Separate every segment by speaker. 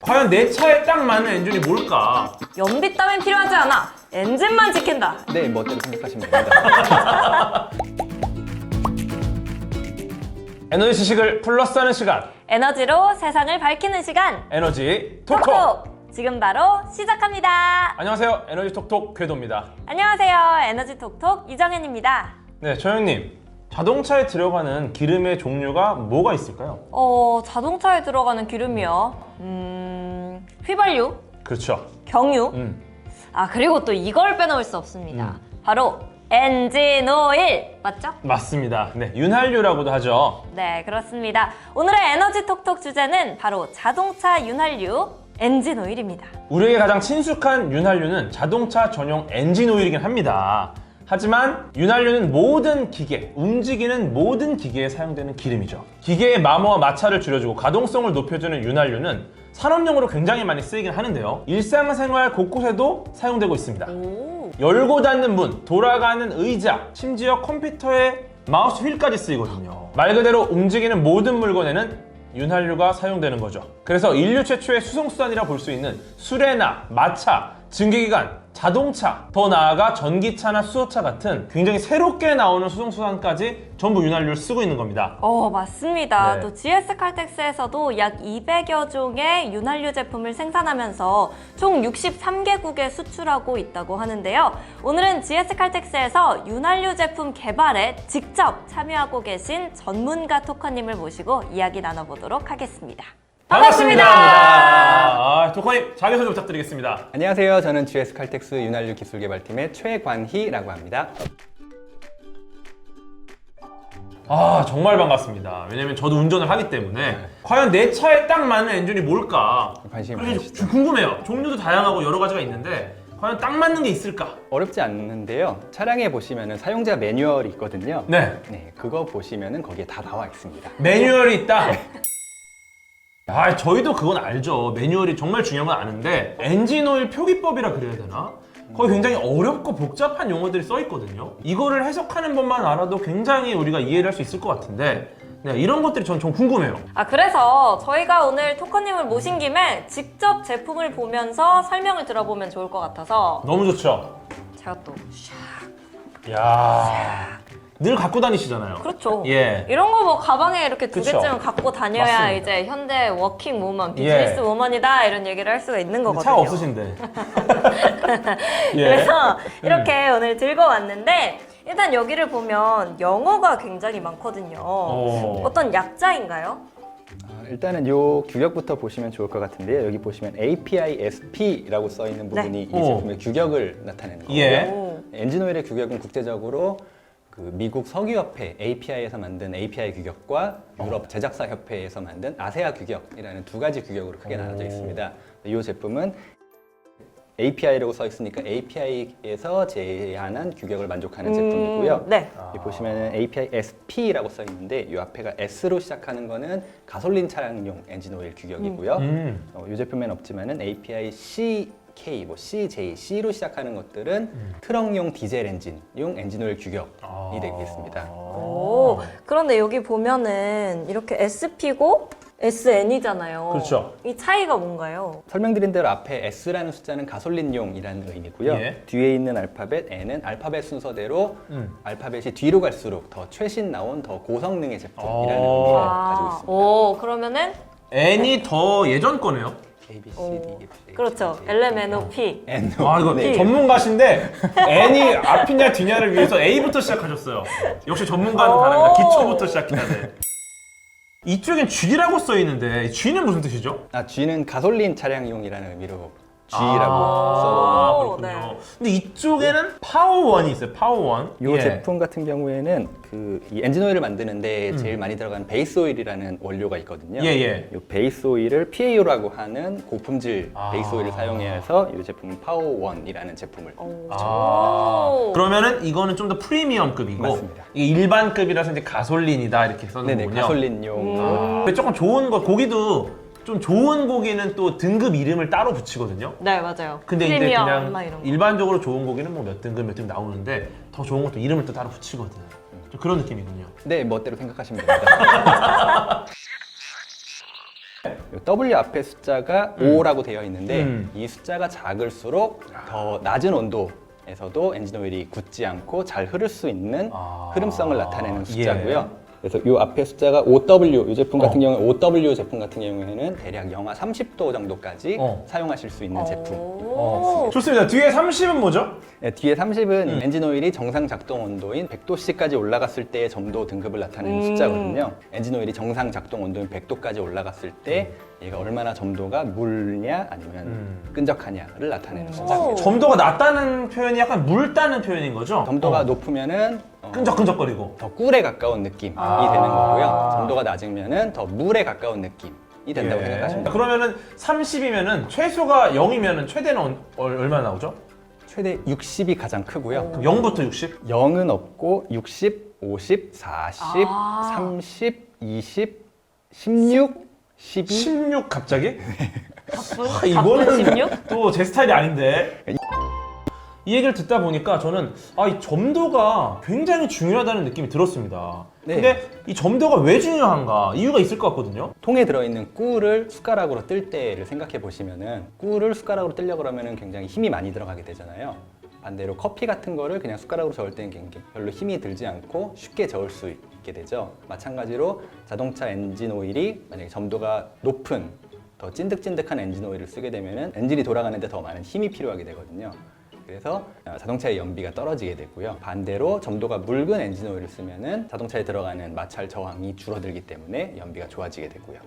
Speaker 1: 과연 내 차에 딱 맞는 엔진이 뭘까?
Speaker 2: 연비 따윈 필요하지 않아. 엔진만 지킨다.
Speaker 3: 네, 멋대로 생각하시면 됩니다.
Speaker 1: 에너지 지식을 플러스하는 시간,
Speaker 2: 에너지로 세상을 밝히는 시간.
Speaker 1: 에너지 톡톡!
Speaker 2: 톡톡! 지금 바로 시작합니다.
Speaker 1: 안녕하세요, 에너지 톡톡 궤도입니다.
Speaker 2: 안녕하세요. 에너지 톡톡 이정현입니다.
Speaker 1: 네, 조영님, 자동차에 들어가는 기름의 종류가 뭐가 있을까요?
Speaker 2: 자동차에 들어가는 기름이요. 휘발유,
Speaker 1: 그렇죠.
Speaker 2: 경유. 그리고 또 이걸 빼놓을 수 없습니다. 바로 엔진 오일. 맞죠?
Speaker 1: 맞습니다. 네, 윤활유라고도 하죠.
Speaker 2: 네, 그렇습니다. 오늘의 에너지 톡톡 주제는 바로 자동차 윤활유, 엔진 오일입니다.
Speaker 1: 우리에게 가장 친숙한 윤활유는 자동차 전용 엔진 오일이긴 합니다. 하지만 윤활유는 모든 기계, 움직이는 모든 기계에 사용되는 기름이죠. 기계의 마모와 마찰을 줄여주고 가동성을 높여주는 윤활유는 산업용으로 굉장히 많이 쓰이긴 하는데요. 일상생활 곳곳에도 사용되고 있습니다.
Speaker 2: 오.
Speaker 1: 열고 닫는 문, 돌아가는 의자, 심지어 컴퓨터의 마우스 휠까지 쓰이거든요. 말 그대로 움직이는 모든 물건에는 윤활유가 사용되는 거죠. 그래서 인류 최초의 수송수단이라 볼 수 있는 수레나 마차, 증기기관, 자동차, 더 나아가 전기차나 수소차 같은 굉장히 새롭게 나오는 수송수단까지 전부 윤활유를 쓰고 있는 겁니다.
Speaker 2: 맞습니다.
Speaker 1: 네.
Speaker 2: 또 GS 칼텍스에서도 약 200여 종의 윤활유 제품을 생산하면서 총 63개국에 수출하고 있다고 하는데요. 오늘은 GS 칼텍스에서 윤활유 제품 개발에 직접 참여하고 계신 전문가 토커님을 모시고 이야기 나눠보도록 하겠습니다. 반갑습니다.
Speaker 1: 토커님, 자기소개 부탁드리겠습니다.
Speaker 3: 안녕하세요. 저는 GS 칼텍스 윤활유 기술개발팀의 최관희라고 합니다.
Speaker 1: 정말 반갑습니다. 왜냐면 저도 운전을 하기 때문에 과연 내 차에 딱 맞는 엔진이 뭘까?
Speaker 3: 관심이
Speaker 1: 사실
Speaker 3: 많으시죠?
Speaker 1: 좀 궁금해요. 종류도 다양하고 여러 가지가 있는데 과연 딱 맞는 게 있을까?
Speaker 3: 어렵지 않는데요. 차량에 보시면 사용자 매뉴얼이 있거든요.
Speaker 1: 네,
Speaker 3: 네, 그거 보시면 거기에 다 나와 있습니다.
Speaker 1: 매뉴얼이 있다. 저희도 그건 알죠. 매뉴얼이 정말 중요한 건 아는데 엔진 오일 표기법이라 그래야 되나? 거의 굉장히 어렵고 복잡한 용어들이 써 있거든요. 이거를 해석하는 법만 알아도 굉장히 우리가 이해를 할 수 있을 것 같은데 이런 것들이 전 좀 궁금해요.
Speaker 2: 그래서 저희가 오늘 토커님을 모신 김에 직접 제품을 보면서 설명을 들어보면 좋을 것 같아서
Speaker 1: 너무 좋죠?
Speaker 2: 제가 또
Speaker 1: 이야, 늘 갖고 다니시잖아요.
Speaker 2: 그렇죠.
Speaker 1: 예.
Speaker 2: 이런 거 뭐 가방에 이렇게 두
Speaker 1: 그쵸.
Speaker 2: 개쯤 갖고 다녀야
Speaker 1: 맞습니다.
Speaker 2: 이제 현대 워킹 우먼, 비즈니스
Speaker 1: 예.
Speaker 2: 우먼이다 이런 얘기를 할 수가 있는 거거든요.
Speaker 1: 차가 없으신데. 예.
Speaker 2: 그래서 이렇게 오늘 들고 왔는데 일단 여기를 보면 영어가 굉장히 많거든요. 어떤 약자인가요?
Speaker 3: 일단은 요 규격부터 보시면 좋을 것 같은데요. 여기 보시면 API-SP라고 써 있는 부분이 이 제품의 규격을 나타내는 거고요.
Speaker 1: 예.
Speaker 2: 오.
Speaker 3: 엔진 오일의 규격은 국제적으로 그 미국 석유협회 API에서 만든 API 규격과 유럽 제작사 협회에서 만든 아세아 규격이라는 두 가지 규격으로 크게 나눠져 있습니다. 이 제품은 API라고 써 있으니까 API에서 제한한 규격을 만족하는 제품이고요.
Speaker 2: 네.
Speaker 3: 여기 보시면은 API SP라고 써 있는데 이 앞에가 S로 시작하는 거는 가솔린 차량용 엔진 오일 규격이고요. 이 제품에는 없지만은 API CK, CJ, C로 시작하는 것들은 트럭용 디젤 엔진용 엔진 오일 규격이 되겠습니다.
Speaker 2: 오, 그런데 여기 보면은 이렇게 SP고 SN이잖아요.
Speaker 1: 그렇죠.
Speaker 2: 이 차이가 뭔가요?
Speaker 3: 설명드린 대로 앞에 S라는 숫자는 가솔린용이라는 의미고요.
Speaker 1: 예.
Speaker 3: 뒤에 있는 알파벳 N은 알파벳 순서대로 알파벳이 뒤로 갈수록 더 최신 나온 더 고성능의 제품이라는 의미를 가지고 있습니다.
Speaker 2: 오, 그러면은
Speaker 1: N이 더 예전 거네요.
Speaker 3: A, B, C,
Speaker 2: 오,
Speaker 3: D, E, F, G,
Speaker 2: 그렇죠.
Speaker 3: H, I, J,
Speaker 2: LMNOP.
Speaker 3: N,
Speaker 1: 이거
Speaker 3: 네.
Speaker 1: 전문가신데 N이 앞이냐 뒤냐를 위해서 A부터 시작하셨어요. 역시 전문가는 다릅니다. 기초부터 시작해야 돼. 이쪽엔 G라고 써 있는데 G는 무슨 뜻이죠?
Speaker 3: G는 가솔린 차량용이라는 의미로 G라고
Speaker 2: 오,
Speaker 1: 그렇군요.
Speaker 2: 네.
Speaker 1: 근데 이쪽에는 파워원이 있어요. 파워원.
Speaker 3: 이 제품 같은 경우에는 이 엔진 오일을 만드는데 제일 많이 들어가는 베이스 오일이라는 원료가 있거든요.
Speaker 1: 예.
Speaker 3: 이 베이스 오일을 PAO라고 하는 고품질 베이스 오일을 사용해서 이 제품은 파워원이라는 제품을
Speaker 2: 오.
Speaker 1: 그러면은 이거는 좀 더 프리미엄급이고
Speaker 3: 맞습니다.
Speaker 1: 이게 일반급이라서 이제 가솔린이다 이렇게 써는
Speaker 3: 네네
Speaker 1: 거군요.
Speaker 3: 가솔린용
Speaker 1: 근데 조금 좋은 거 고기도 좀 좋은 고기는 또 등급 이름을 따로 붙이거든요.
Speaker 2: 네, 맞아요.
Speaker 1: 근데 이제
Speaker 2: 프리미엄
Speaker 1: 그냥
Speaker 2: 막 이런 거.
Speaker 1: 일반적으로 좋은 고기는 뭐 몇 등급 몇 등급 나오는데 더 좋은 것도 이름을 또 따로 붙이거든. 좀 그런 느낌이군요.
Speaker 3: 네 멋대로 생각하시면 됩니다. W 앞에 숫자가 5라고 되어 있는데 이 숫자가 작을수록 더 낮은 온도에서도 엔진 오일이 굳지 않고 잘 흐를 수 있는 흐름성을 나타내는 숫자고요. 그래서 이 앞에 숫자가 OW, 이 제품 같은 경우에 OW 제품 같은 경우에는 대략 영하 30도 정도까지 사용하실 수 있는 제품.
Speaker 1: 좋습니다. 뒤에 30은 뭐죠?
Speaker 3: 네, 뒤에 30은 엔진 오일이 정상 작동 온도인 100도씨까지 올라갔을 때의 점도 등급을 나타내는 숫자거든요. 엔진 오일이 정상 작동 온도인 100도까지 올라갔을 때 얘가 얼마나 점도가 묽냐 아니면 끈적하냐를 나타내는 숫자입니다.
Speaker 1: 점도가 낮다는 표현이 약간 묽다는 표현인 거죠?
Speaker 3: 점도가 높으면은
Speaker 1: 끈적끈적거리고.
Speaker 3: 더 꿀에 가까운 느낌이 되는 거고요. 점도가 낮으면은 더 물에 가까운 느낌이 된다고 생각하시면 됩니다.
Speaker 1: 그러면은 30이면은 최소가 0이면은 최대는 얼마나 나오죠?
Speaker 3: 최대 60이 가장 크고요.
Speaker 1: 그럼 0부터 60?
Speaker 3: 0은 없고 60, 50, 40, 30, 20, 16, 12.
Speaker 1: 16 갑자기?
Speaker 2: 가쁜
Speaker 1: 이거는
Speaker 2: 16?
Speaker 1: 또 제 스타일이 아닌데. 이 얘기를 듣다 보니까 저는 이 점도가 굉장히 중요하다는 느낌이 들었습니다.
Speaker 3: 네.
Speaker 1: 근데 이 점도가 왜 중요한가? 이유가 있을 것 같거든요.
Speaker 3: 통에 들어있는 꿀을 숟가락으로 뜰 때를 생각해 보시면은 꿀을 숟가락으로 뜨려고 그러면은 굉장히 힘이 많이 들어가게 되잖아요. 반대로 커피 같은 거를 그냥 숟가락으로 저을 때는 별로 힘이 들지 않고 쉽게 저을 수 있게 되죠. 마찬가지로 자동차 엔진 오일이 만약에 점도가 높은 더 찐득찐득한 엔진 오일을 쓰게 되면은 엔진이 돌아가는데 더 많은 힘이 필요하게 되거든요. 그래서 자동차의 연비가 떨어지게 되고요. 반대로 점도가 묽은 엔진 오일을 쓰면은 자동차에 들어가는 마찰 저항이 줄어들기 때문에 연비가 좋아지게 되고요.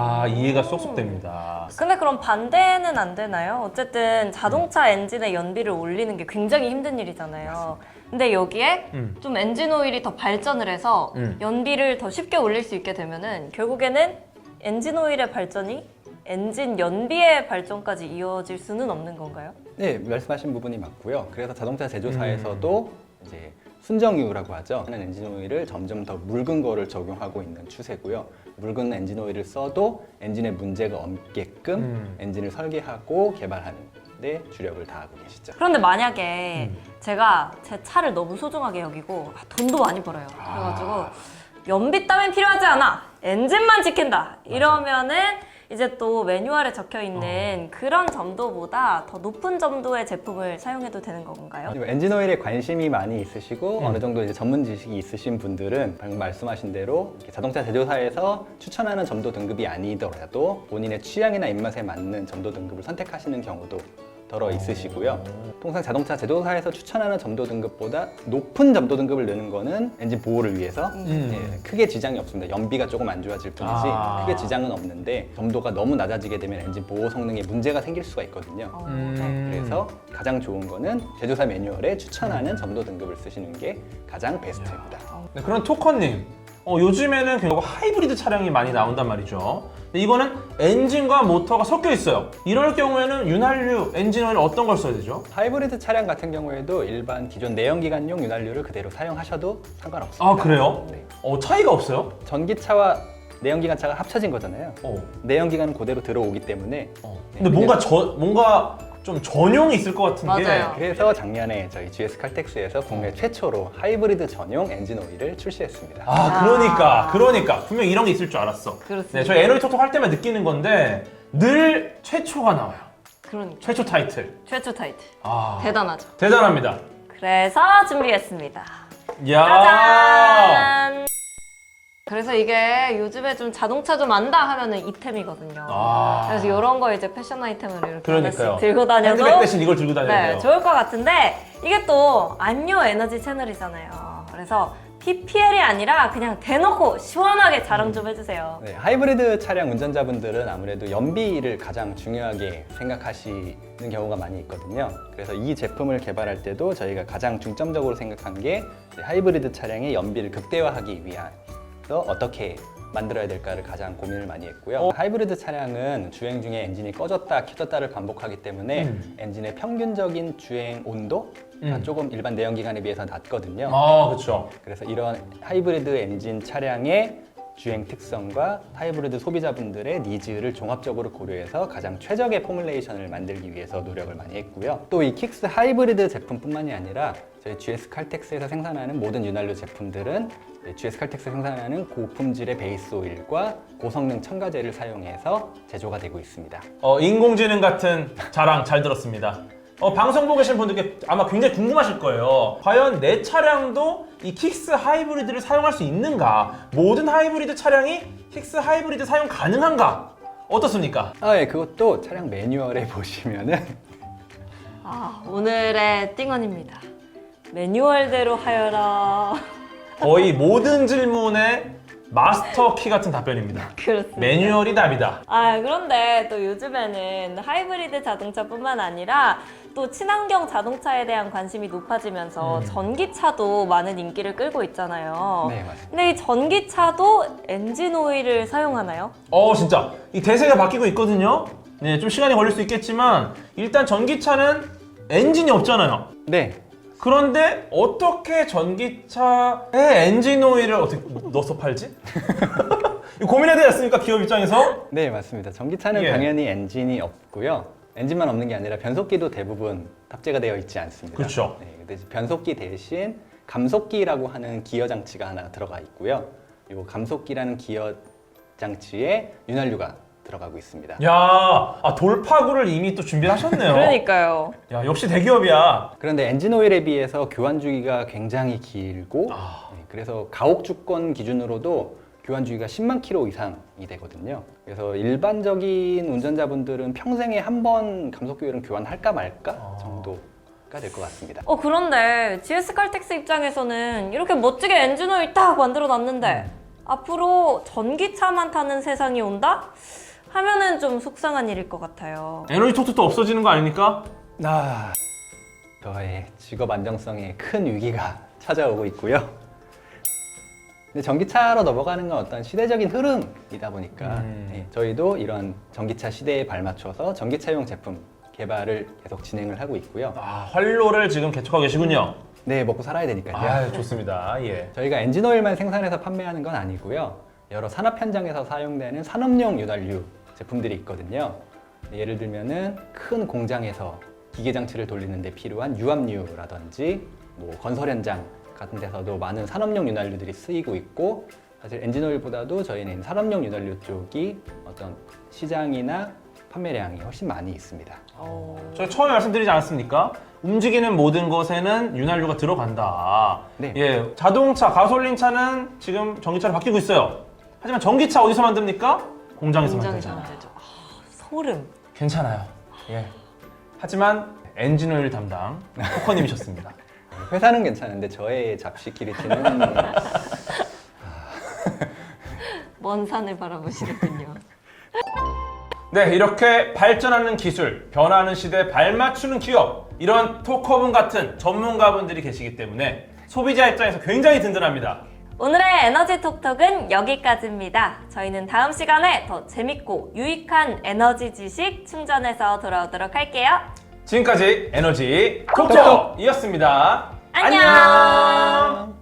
Speaker 1: 이해가 쏙쏙 됩니다.
Speaker 2: 근데 그럼 반대는 안 되나요? 어쨌든 자동차 엔진의 연비를 올리는 게 굉장히 힘든 일이잖아요. 근데 여기에 좀 엔진 오일이 더 발전을 해서 연비를 더 쉽게 올릴 수 있게 되면은 결국에는 엔진 오일의 발전이 엔진 연비의 발전까지 이어질 수는 없는 건가요?
Speaker 3: 네, 말씀하신 부분이 맞고요. 그래서 자동차 제조사에서도 이제 순정유라고 하죠. 하는 엔진 오일을 점점 더 묽은 거를 적용하고 있는 추세고요. 묽은 엔진 오일을 써도 엔진에 문제가 없게끔 엔진을 설계하고 개발하는 데 주력을 다하고 계시죠.
Speaker 2: 그런데 만약에 제가 제 차를 너무 소중하게 여기고 돈도 많이 벌어요. 그래가지고 연비 따윈 필요하지 않아. 엔진만 지킨다. 이러면은 이제 또 매뉴얼에 적혀 있는 그런 점도보다 더 높은 점도의 제품을 사용해도 되는 건가요?
Speaker 3: 엔진 오일에 관심이 많이 있으시고 어느 정도 이제 전문 지식이 있으신 분들은 방금 말씀하신 대로 이렇게 자동차 제조사에서 추천하는 점도 등급이 아니더라도 본인의 취향이나 입맛에 맞는 점도 등급을 선택하시는 경우도 더러 있으시고요. 통상 자동차 제조사에서 추천하는 점도 등급보다 높은 점도 등급을 넣는 거는 엔진 보호를 위해서 크게 지장이 없습니다. 연비가 조금 안 좋아질 뿐이지 크게 지장은 없는데 점도가 너무 낮아지게 되면 엔진 보호 성능에 문제가 생길 수가 있거든요. 그래서 가장 좋은 거는 제조사 매뉴얼에 추천하는 점도 등급을 쓰시는 게 가장 베스트입니다.
Speaker 1: 네, 그런 토커님, 요즘에는 결국 하이브리드 차량이 많이 나온단 말이죠. 근데 이거는 엔진과 모터가 섞여 있어요. 이럴 경우에는 윤활유, 엔진 오일 어떤 걸 써야 되죠?
Speaker 3: 하이브리드 차량 같은 경우에도 일반 기존 내연기관용 윤활유를 그대로 사용하셔도 상관없습니다.
Speaker 1: 그래요?
Speaker 3: 네.
Speaker 1: 차이가 없어요?
Speaker 3: 전기차와 내연기관차가 합쳐진 거잖아요. 내연기관은 그대로 들어오기 때문에
Speaker 1: 근데 뭔가 좀 전용이 있을 것 같은
Speaker 2: 맞아요.
Speaker 3: 그래서 작년에 저희 GS 칼텍스에서 국내 최초로 하이브리드 전용 엔진 오일을 출시했습니다.
Speaker 1: 그러니까 분명 이런 게 있을 줄 알았어.
Speaker 2: 그렇습니다.
Speaker 1: 네, 저희 에너지 톡톡 할 때만 느끼는 건데 늘 최초가 나와요.
Speaker 2: 그러니까
Speaker 1: 최초 타이틀.
Speaker 2: 최초 타이틀
Speaker 1: 아,
Speaker 2: 대단하죠.
Speaker 1: 대단합니다.
Speaker 2: 그래서 준비했습니다.
Speaker 1: 야.
Speaker 2: 짜잔! 그래서 이게 요즘에 좀 자동차 좀 안다 하면은 이템이거든요. 그래서 이런 거 이제 패션 아이템으로 이렇게
Speaker 1: 그러니까요.
Speaker 2: 하나씩 들고 다녀도
Speaker 1: 핸드백 대신 이걸 들고 다녀야
Speaker 2: 네,
Speaker 1: 돼요.
Speaker 2: 좋을 것 같은데 이게 또 안요 에너지 채널이잖아요. 그래서 PPL이 아니라 그냥 대놓고 시원하게 자랑 좀 해주세요.
Speaker 3: 네, 하이브리드 차량 운전자분들은 아무래도 연비를 가장 중요하게 생각하시는 경우가 많이 있거든요. 그래서 이 제품을 개발할 때도 저희가 가장 중점적으로 생각한 게 하이브리드 차량의 연비를 극대화하기 위한 어떻게 만들어야 될까를 가장 고민을 많이 했고요. 하이브리드 차량은 주행 중에 엔진이 꺼졌다 켜졌다를 반복하기 때문에 엔진의 평균적인 주행 온도가 조금 일반 내연기관에 비해서 낮거든요.
Speaker 1: 그렇죠.
Speaker 3: 그래서 이런 하이브리드 엔진 차량의 주행 특성과 하이브리드 소비자분들의 니즈를 종합적으로 고려해서 가장 최적의 포뮬레이션을 만들기 위해서 노력을 많이 했고요. 또 이 킥스 하이브리드 제품뿐만이 아니라 저희 GS 칼텍스에서 생산하는 모든 윤활유 제품들은 GS 칼텍스 생산하는 고품질의 베이스 오일과 고성능 첨가제를 사용해서 제조가 되고 있습니다.
Speaker 1: 인공지능 같은 자랑 잘 들었습니다. 방송 보고 계신 분들께 아마 굉장히 궁금하실 거예요. 과연 내 차량도 이 킥스 하이브리드를 사용할 수 있는가? 모든 하이브리드 차량이 킥스 하이브리드 사용 가능한가? 어떻습니까?
Speaker 3: 예, 그것도 차량 매뉴얼에 보시면은
Speaker 2: 오늘의 띵언입니다. 매뉴얼대로 하여라.
Speaker 1: 거의 모든 질문에 마스터 키 같은 답변입니다.
Speaker 2: 그렇습니다.
Speaker 1: 매뉴얼이 답이다.
Speaker 2: 그런데 또 요즘에는 하이브리드 자동차뿐만 아니라 또 친환경 자동차에 대한 관심이 높아지면서 전기차도 많은 인기를 끌고 있잖아요.
Speaker 3: 네, 맞습니다.
Speaker 2: 근데 이 전기차도 엔진 오일을 사용하나요?
Speaker 1: 진짜 이 대세가 바뀌고 있거든요. 네, 좀 시간이 걸릴 수 있겠지만 일단 전기차는 엔진이 없잖아요.
Speaker 3: 네,
Speaker 1: 그런데 어떻게 전기차에 엔진 오일을 어떻게 넣어서 팔지? 이거 고민해야 되지 않습니까? 기업 입장에서?
Speaker 3: 네, 맞습니다. 전기차는
Speaker 1: 예.
Speaker 3: 당연히 엔진이 없고요. 엔진만 없는 게 아니라 변속기도 대부분 탑재가 되어 있지 않습니다.
Speaker 1: 그렇죠.
Speaker 3: 네, 근데 이제 변속기 대신 감속기라고 하는 기어 장치가 하나 들어가 있고요. 이 감속기라는 기어 장치에 윤활유가 들어가고 있습니다.
Speaker 1: 야, 돌파구를 이미 또 준비하셨네요.
Speaker 2: 그러니까요.
Speaker 1: 야, 역시 대기업이야.
Speaker 3: 그런데 엔진 오일에 비해서 교환 주기가 굉장히 길고 네, 그래서 가옥 주권 기준으로도 교환 주기가 10만 킬로 이상이 되거든요. 그래서 일반적인 운전자분들은 평생에 한 번 감속기 오일은 교환할까 말까 정도가 될 것 같습니다.
Speaker 2: 그런데 GS 칼텍스 입장에서는 이렇게 멋지게 엔진 오일 딱 만들어 놨는데 앞으로 전기차만 타는 세상이 온다? 하면은 좀 속상한 일일 것 같아요.
Speaker 1: 에너지 톡톡도 없어지는 거 아닙니까?
Speaker 3: 저의 직업 안정성에 큰 위기가 찾아오고 있고요. 근데 전기차로 넘어가는 건 어떤 시대적인 흐름이다 보니까 저희도 이런 전기차 시대에 발맞춰서 전기차용 제품 개발을 계속 진행을 하고 있고요.
Speaker 1: 활로를 지금 개척하고 계시군요.
Speaker 3: 네, 먹고 살아야 되니까요.
Speaker 1: 좋습니다. 예.
Speaker 3: 저희가 엔진 오일만 생산해서 판매하는 건 아니고요. 여러 산업 현장에서 사용되는 산업용 윤활유 제품들이 있거든요. 예를 들면은 큰 공장에서 기계 장치를 돌리는 데 필요한 유압유라든지 뭐 건설 현장 같은 데서도 많은 산업용 윤활유들이 쓰이고 있고, 사실 엔진 오일보다도 저희는 산업용 윤활유 쪽이 어떤 시장이나 판매량이 훨씬 많이 있습니다.
Speaker 1: 저희 처음에 말씀드리지 않았습니까? 움직이는 모든 것에는 윤활유가 들어간다.
Speaker 3: 네.
Speaker 1: 예, 자동차, 가솔린 차는 지금 전기차로 바뀌고 있어요. 하지만 전기차 어디서 만듭니까? 공장에서 만들잖아요.
Speaker 2: 만들죠. 소름.
Speaker 1: 괜찮아요. 예. 하지만 엔진 오일 담당 코커님이셨습니다.
Speaker 3: 회사는 괜찮은데 저의 잡식 기리티는
Speaker 2: 먼 산을 바라보시는군요.
Speaker 1: 네, 이렇게 발전하는 기술, 변화하는 시대에 발맞추는 기업, 이런 톡커분 같은 전문가분들이 계시기 때문에 소비자 입장에서 굉장히 든든합니다.
Speaker 2: 오늘의 에너지 톡톡은 여기까지입니다. 저희는 다음 시간에 더 재밌고 유익한 에너지 지식 충전해서 돌아오도록 할게요.
Speaker 1: 지금까지 에너지 톡톡이었습니다.
Speaker 2: 안녕.